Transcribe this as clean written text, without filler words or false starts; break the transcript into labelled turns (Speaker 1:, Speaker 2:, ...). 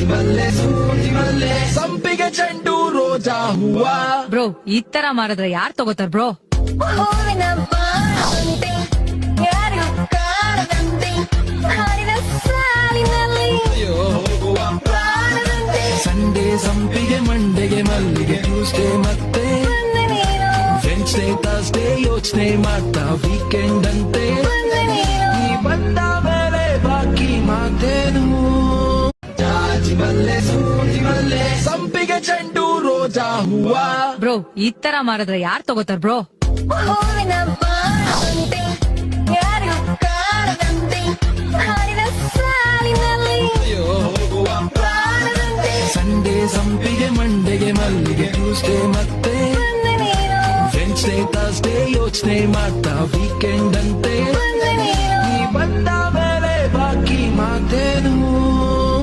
Speaker 1: ಸಂಪಿಗೆ ಚೆಂಡು ರೋಜಾ ಹೂವ.
Speaker 2: ಬ್ರೋ ಈ ತರ ಮಾರಿದ್ರೆ ಯಾರ್ ತಗೋತಾರ ಬ್ರೋ?
Speaker 1: ಸಂಡೇ ಸಂಪಿಗೆ, ಮಂಡೆಗೆ ಮಲ್ಲಿಗೆ, ಟ್ಯೂಸ್ಡೇ ಮತ್ತೆ ವೆನ್ಸ್ಡೇ ಥರ್ಸ್ಡೇ ಯೋಚನೆ ಮಾಡ್ತಾ ವೀಕೆಂಡ್ ಅಂತೆ. ನೀ ಬಂದ ಮೇಲೆ ಬಾಕಿ ಮಾತೇನು? ಜಾಜಿ ಮಲ್ಲೆ, ಸೂಜಿ ಮಲ್ಲೆ, ಸಂಪಿಗೆ ಚೆಂಡು ರೋಜಾ ಹೂವ.
Speaker 2: ಬ್ರೋ ಈ ತರ ಮಾರಿದ್ರೆ ಯಾರ್ ತಗೋತಾರ ಬ್ರೋ?
Speaker 1: ಸಂಡೇ ಸಂಪಿಗೆ, ಮಂಡೆಗೆ ಮಲ್ಲಿಗೆ, ಟ್ಯೂಸ್ಡೇ ಮತ್ತೆ ವೆನ್ಸ್ಡೇ ಥರ್ಸ್ಡೇ ಯೋಚನೆ ಮಾಡ್ತಾ ವೀಕೆಂಡ್ ಅಂತೆ.